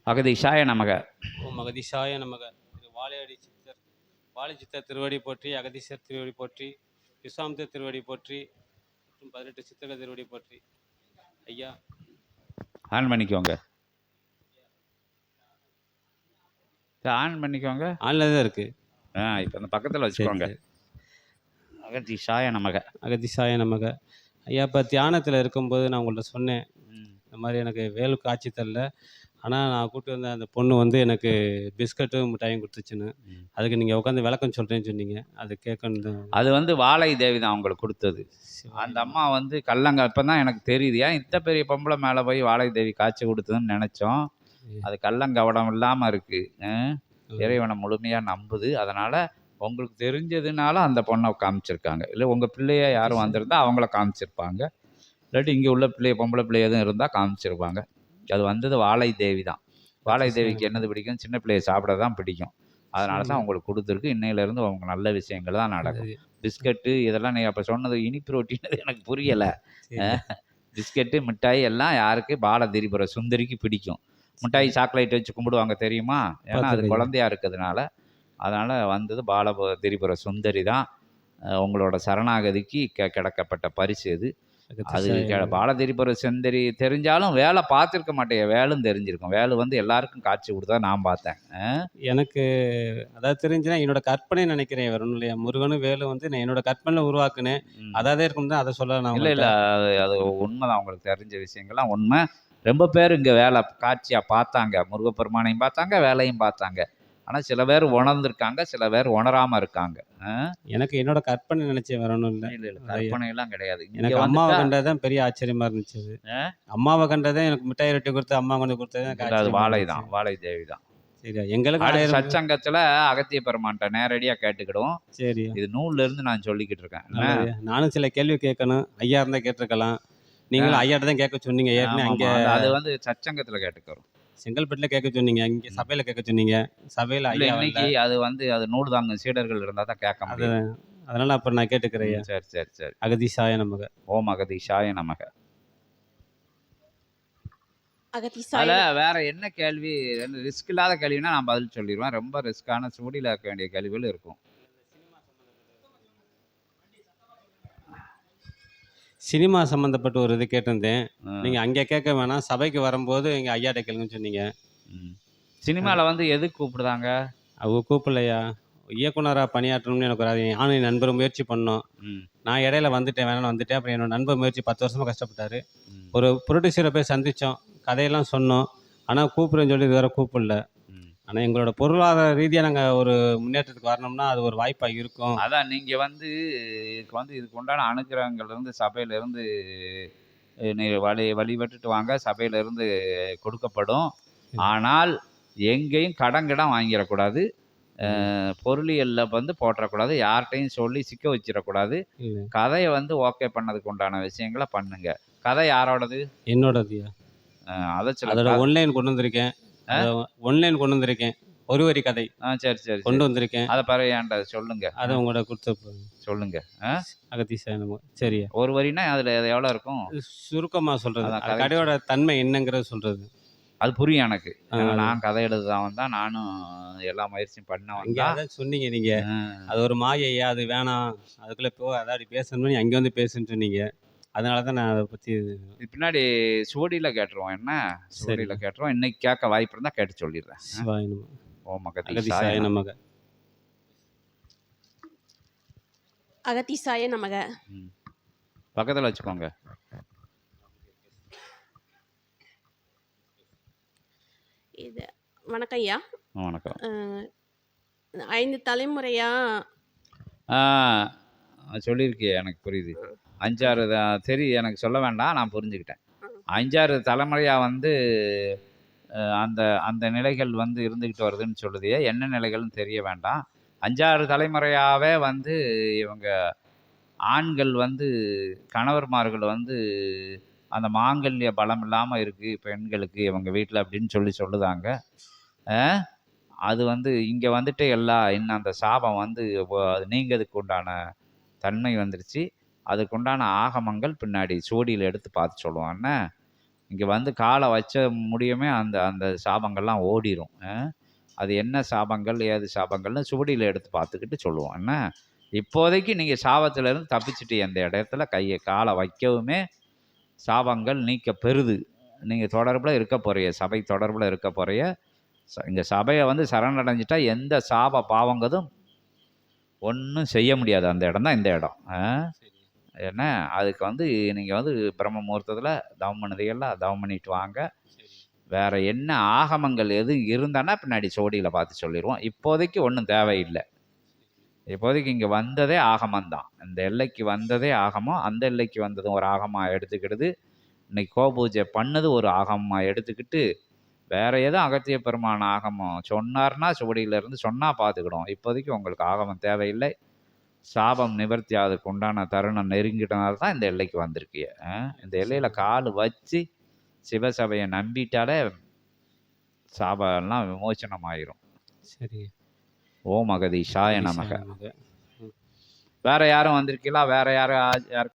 அகதீஷாய நமக. ஓம் அகதீஷாய நமக. திரு வாழை சித்தர் திருவடி போற்றி, அகதீசர் திருவடி போற்றி, விஸ்வாமித்திர திருவடி போற்றி மற்றும் 18 சித்தர்கள் திருவடி போற்றி. ஐயா ஆன் பண்ணிக்கோங்க. ஆன் பண்ணிக்கோங்க. ஆன்ல தான் இருக்கு. இப்போ அந்த பக்கத்தில் வச்சுக்கோங்க. அகதீஷாய நமக. அகதீஷாய நமக. ஐயா, இப்போ தியானத்தில் இருக்கும்போது நான் உங்கள்கிட்ட சொன்னேன், இந்த மாதிரி எனக்கு வேலு காட்சி தரல, ஆனால் நான் கூப்பிட்டு வந்த அந்த பொண்ணு வந்து எனக்கு பிஸ்கட்டும் மிட்டாயும் கொடுத்துச்சுன்னு. அதுக்கு நீங்கள் உட்காந்து விளக்கம் சொல்கிறேன்னு சொன்னீங்க. அது கேட்கணும். அது வந்து வாழை தேவி தான் அவங்களுக்கு கொடுத்தது. அந்த அம்மா வந்து கல்லங்க இப்போ தான் எனக்கு தெரியுது. ஏன் இத்த பெரிய பொம்பளை மேலே போய் வாழை தேவி காட்சி கொடுத்ததுன்னு நினச்சோம். அது கள்ளங்கவடம் இல்லாமல் இருக்குது. இறைவனை முழுமையாக நம்புது. அதனால் உங்களுக்கு தெரிஞ்சதுனால அந்த பொண்ணை காமிச்சிருக்காங்க. இல்லை உங்கள் பிள்ளைய யாரும் வந்திருந்தால் அவங்கள காமிச்சிருப்பாங்க. இல்லாட்டி இங்கே உள்ள பொம்பளை பிள்ளை எதுவும் இருந்தால் காமிச்சிருப்பாங்க. அது வந்தது வாழை தேவி தான். வாழை தேவிக்கு என்னது பிடிக்கும்? சின்ன பிள்ளையை சாப்பிட தான் பிடிக்கும். அதனால தான் உங்களுக்கு கொடுத்துருக்கு. இன்னையிலேருந்து உங்களுக்கு நல்ல விஷயங்கள் தான் நடக்கும். பிஸ்கட்டு இதெல்லாம் நீ அப்போ சொன்னது இனிப்பு ரொட்டின்னு எனக்கு புரியலை. பிஸ்கட்டு மிட்டாய் எல்லாம் யாருக்கு? பால திரிபுர சுந்தரிக்கு பிடிக்கும். மிட்டாய் சாக்லேட் வச்சு கும்பிடுவாங்க தெரியுமா? ஏன்னா அது குழந்தையா இருக்கிறதுனால. அதனால் வந்தது பால திரிபுர சுந்தரி தான். உங்களோட சரணாகதிக்கு கிடக்கப்பட்ட பரிசு இது. அது பாலதிரிபுர சுந்தரி தெரிஞ்சாலும் வேலை பார்த்துருக்க மாட்டேன். வேலும் தெரிஞ்சிருக்கும். வேலு வந்து எல்லாருக்கும் காட்சி கொடுத்தா நான் பார்த்தேன். எனக்கு அதாவது தெரிஞ்சுன்னா என்னோட கற்பனை நினைக்கிறேன். வேற ஒன்றும் இல்லையா? முருகனும் வேலு வந்து நான் என்னோட கற்பனையில் உருவாக்குனேன். அதாவது இருக்கும் தான் அதை சொல்ல நான். இல்லை அது உண்மைதான். உங்களுக்கு தெரிஞ்ச விஷயங்கள்லாம் உண்மை. ரொம்ப பேர் இங்கே வேலை காட்சியாக பார்த்தாங்க. முருகப்பெருமானையும் பார்த்தாங்க, வேலையும் பார்த்தாங்க. ஆனால் சில பேர் உணர்ந்திருக்காங்க, சில பேர் உணராமல் இருக்காங்க. எனக்கு என்னோட கற்பனை நினைச்சேன், வேற ஒன்றும் இல்லை. இல்லை கற்பனையெல்லாம் கிடையாது. எனக்கு அம்மாவை கண்டதான் பெரிய ஆச்சரியமா இருந்துச்சு. அம்மாவை கண்டதான் எனக்கு மிட்டாய் ரொட்டி கொடுத்து அம்மா கொண்டு கொடுத்தது அது வாழை தான், வாழை தேவி தான். சரி, எங்களுக்கு சச்சங்கத்தில் அகத்திய பெருமான்ட்ட நேரடியாக கேட்டுக்கிடுவோம். சரி, இது நூல்ல இருந்து நான் சொல்லிக்கிட்டு இருக்கேன். நானும் சில கேள்வி கேட்கணும். ஐயா இருந்தா கேட்டிருக்கலாம். நீங்களும் ஐயாட்ட தான் கேட்க சொன்னீங்க. ஏற்கனவே அங்கே அது வந்து சச்சங்கத்தில் கேட்டுக்கிறோம். செங்கல்பட்டுல கேட்க சொன்னீங்க, இங்கே சபையில கேட்க சொன்னீங்க. சபையில இன்னைக்கு அது வந்து அது நூல் தாங்க சீடர்கள் இருந்தால் தான் கேட்க முடியும். அதனால அப்புறம் நான் கேட்டுக்கிறேன். சரி சரி சரி. அகதீஷாய நமக. ஓம் அகதீஷாய நமக. அதில் வேற என்ன கேள்வி? ரிஸ்க் இல்லாத கேள்வினா நான் பதில் சொல்லிடுவேன். ரொம்ப ரிஸ்கான சூடியில் இருக்க வேண்டிய கேள்விகள் இருக்கும். சினிமா சம்மந்தப்பட்ட ஒரு இது கேட்டிருந்தேன். நீங்கள் அங்கே கேட்க வேணாம், சபைக்கு வரும்போது எங்கள் ஐயாட்ட கேளுங்கன்னு சொன்னீங்க. சினிமாவில் வந்து எதுக்கு கூப்பிடுதாங்க? அவங்க கூப்பிடலையா? இயக்குனராக பணியாற்றணும்னு எனக்கு ஒரு நானும் என் நண்பர் முயற்சி பண்ணோம். நான் இடையில வந்துட்டேன், வேணாலும் வந்துட்டேன். அப்புறம் என்னோட நண்பர் முயற்சி 10 வருஷமாக கஷ்டப்பட்டார். ஒரு ப்ரொடியூசரை போய் சந்தித்தோம், கதையெல்லாம் சொன்னோம். ஆனால் கூப்பிடுறேன்னு சொல்லி இது வரை கூப்பிடல. ஆனால் எங்களோட பொருளாதார ரீதியாக நாங்கள் ஒரு முன்னேற்றத்துக்கு வரணும்னா அது ஒரு வாய்ப்பாக இருக்கும். அதான் நீங்கள் வந்து இதுக்கு உண்டான அனுகிரகங்கள்லேருந்து சபையிலேருந்து வழிபட்டுட்டு வாங்க. சபையிலேருந்து கொடுக்கப்படும். ஆனால் எங்கேயும் கடங்கிடம் வாங்கிடக்கூடாது. பொருளியலில் வந்து போட்டுறக்கூடாது. யார்கிட்டையும் சொல்லி சிக்க வச்சிடக்கூடாது. கதையை வந்து ஓகே பண்ணதுக்கு உண்டான விஷயங்களை பண்ணுங்க. கதை யாரோடது? என்னோடது. அதை அதோட ஒன்லைன் கொண்டு வந்திருக்கேன். ஒரு வரி கதை. சரி சரி கொண்டு வந்திருக்கேன். அதை பிறகு ஏன்டா சொல்லுங்க. அதை உங்களோட கொடுத்து சொல்லுங்க. அகதீஷாய நமக. சரி, ஒரு வரினா அதில் எவ்வளோ இருக்கும்? சுருக்கமாக சொல்கிறது, கதையோட தன்மை என்னங்கிறது சொல்கிறது. அது புரியும் எனக்கு. நான் கதை எழுதுதான் வந்தா, நானும் எல்லா முயற்சியும் பண்ண சொன்னீங்க நீங்கள். அது ஒரு மாயையா, அது வேணாம், அதுக்குள்ளே அதாவது பேசணும்னு அங்கே வந்து பேசுன்னு சொன்னீங்க. அதனால தான் நான் அதை பற்றி பின்னாடி சுவடியில் கேட்டுருவோம். என்ன சுவடியில் கேட்டுருவோம். இன்னைக்கு கேட்க வாய்ப்பு இருந்தால் கேட்டு சொல்லிடுறேன். ஓம் அகதீஷாய நமக. அகதீஷாய நமக. பக்கத்தில் வச்சுக்கோங்க. இது வணக்கம் ஐயா. வணக்கம். 5 தலைமுறையா சொல்லியிருக்கே, எனக்கு புரியுது. 5-6 சரி, எனக்கு சொல்ல வேண்டாம், நான் புரிஞ்சுக்கிட்டேன். 5-6 தலைமுறையாக வந்து அந்த அந்த நிலைகள் வந்து இருந்துக்கிட்டு வருதுன்னு சொல்லுது. என்ன நிலைகள்னு தெரிய வேண்டாம். 5-6 தலைமுறையாகவே வந்து இவங்க ஆண்கள் வந்து கணவர்மார்கள் வந்து அந்த மாங்கல்ய பலம் இல்லாமல் இருக்குது பெண்களுக்கு இவங்க வீட்டில் அப்படின்னு சொல்லுதாங்க. அது வந்து இங்கே வந்துட்டு இன்னும் அந்த சாபம் வந்து அது நீங்கிறதுக்கு உண்டான தன்மை வந்துருச்சு. அதுக்குண்டான ஆகமங்கள் பின்னாடி சோடியில் எடுத்து பார்த்து சொல்லுவான்னு. இங்கே வந்து காலை வச்ச முடியுமே அந்த அந்த சாபங்கள்லாம் ஓடிரும். அது என்ன சாபங்கள் ஏது சாபங்கள்னு சுவடியில் எடுத்து பார்த்துக்கிட்டு சொல்லுவோம். என்ன இப்போதைக்கு நீங்கள் சாபத்திலேருந்து தப்பிச்சுட்டு அந்த இடத்துல கையை காலை வைக்கவுமே சாபங்கள் நீக்க பெறுது. நீங்கள் தொடர்பில் இருக்க போகிறீங்க, சபை தொடர்பில் இருக்க போகிறீங்க. இங்கே சபையை வந்து சரணடைஞ்சிட்டா எந்த சாப பாவங்கதும் ஒன்றும் செய்ய முடியாது. அந்த இடம் தான் இந்த இடம். என்ன அதுக்கு வந்து நீங்கள் வந்து பிரம்ம முகூர்த்தத்தில் தவம் பண்ணுறீங்களா, தவம் பண்ணிட்டு வாங்க. வேறு என்ன ஆகமங்கள் எதுவும் இருந்தானா பின்னாடி சோடியில் பார்த்து சொல்லிடுவோம். இப்போதைக்கு ஒன்றும் தேவையில்லை. இப்போதைக்கு இங்கே வந்ததே ஆகமந்தான். இந்த எல்லைக்கு வந்ததே ஆகமம். அந்த எல்லைக்கு வந்ததும் ஒரு ஆகமாக எடுத்துக்கிடுது. இன்னைக்கு கோபூஜை பண்ணது ஒரு ஆகமமாக எடுத்துக்கிட்டு வேறு எதுவும் அகத்திய பெருமான ஆகமம் சொன்னார்னா சுவடியிலேருந்து சொன்னால் பார்த்துக்கிடும். இப்போதைக்கு உங்களுக்கு ஆகமம் தேவையில்லை. சாபம் நிவர்த்தி அதுக்கு உண்டான தருணம் நெருங்கிட்டனால தான் இந்த எல்லைக்கு வந்திருக்கிய. இந்த எல்லையில் கால் வச்சு சிவசபையை நம்பிட்டாலே சாபம்லாம் விமோச்சனம் ஆயிரும். சரி. ஓம் அகதீஷாய நமக. நமக. வேற யாரும் வந்திருக்கீங்களா? வேற யாரும்